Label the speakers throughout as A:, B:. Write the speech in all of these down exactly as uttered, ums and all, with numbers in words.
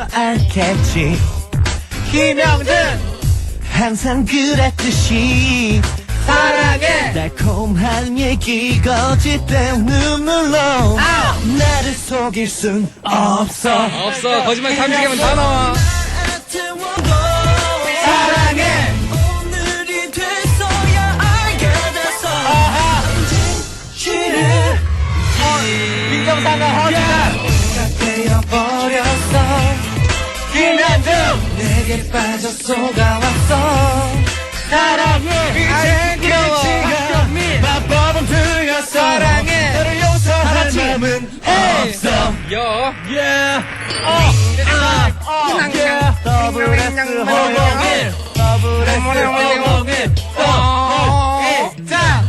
A: 알겠지.
B: 김영준
A: 항상 그랬듯이
B: 사랑해.
A: 달콤한 얘기 거짓된 눈물로
B: 아우.
A: 나를 속일 순 없어.
C: 없어. 거짓말 삼십 개면 다 나와.
B: 사랑해.
A: 오늘이 돼서야 알게 됐어.
B: 아하.
A: 진실을
B: 민정상가 허주다
A: 되어버렸어.
B: 김현중
A: 내게 빠져 속아왔어.
B: 사랑해.
A: 이젠 끝이야. 마법은 틀렸어.
B: 사랑해.
A: 너를 용서할
B: 같이.
A: 마음은
B: 에이.
A: 없어.
C: 여.
A: Yeah.
B: 어.
A: 어. Yeah. 더블 S 허용일. 더블 S 허용일.
B: 어. 자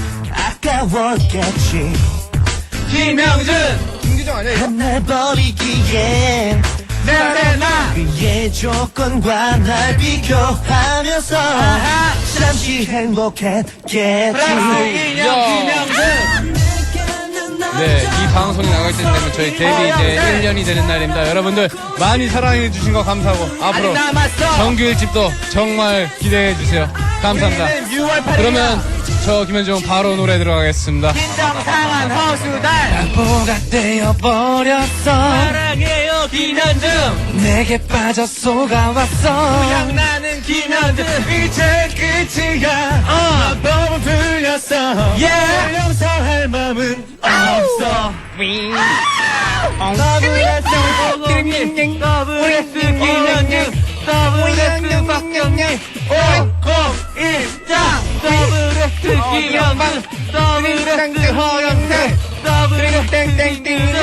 A: 아까웠겠지.
B: 김영준
C: 김규정 아니야 이거?
A: 날 버리기엔
B: 내나
A: 그의 조건과 날 비교하면서
B: 아하.
A: 잠시 행복했겠지.
B: 프랑스 인형
C: 야.
B: 김영준
C: 네, 이 방송이 나갈 때 되면 저희 데뷔 이제 일 년이 되는 날입니다. 여러분들 많이 사랑해 주신 거 감사하고 앞으로
B: 아직 남았어.
C: 정규 일 집도 정말 기대해 주세요. 감사합니다.
B: 우리는 유월 팔일
C: 그러면 저 김현중 바로 노래 들어가겠습니다.
B: 민정상한 허수달
A: 뭐가 되어버렸어.
B: 사랑해요 김현중
A: 내게 빠져 속아왔어.
B: 고장나는 김현중
A: 이제 끝이야.
B: 어.
A: 너무 틀렸어.
B: 예.
A: 널 용서할 마음은 없어.
B: 더블에스 김영준 더블에스 김현중 더블에스 박경림 오공일자 더블에스 김현중 더블에스 허영태 더블에스 땡땡땡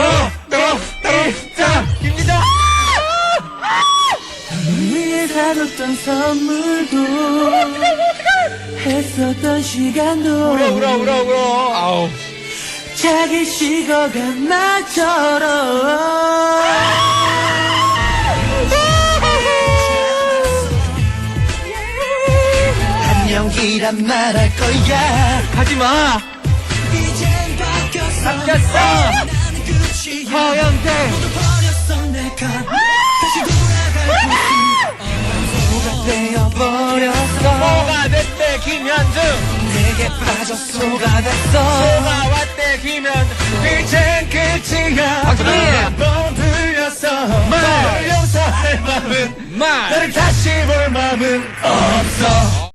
B: 또또일자 김기정
A: 위에 사줬던 선물도 했었던 시간도
C: 울어 울어 울어 울어. 아우.
A: 자기 식어간 나처럼 안녕이란 말할 거야.
B: 가지마
A: 이젠 바뀌었어.
B: 바뀌었어.
A: 나는 끝이야.
B: 허영태
A: 버렸어 내가 다시 돌아갈 수 되어버렸어.
B: 뭐가 됐대 김현중
A: 내게 빠져 속아댔어.
B: 뭐가 왔대 김현중
A: 이젠 끝이야.
C: 박수리.
A: 너무 틀렸어.
B: 말.
A: 널 용서할 마음은
C: 말.
A: 너를 다시 볼 마음은 없어.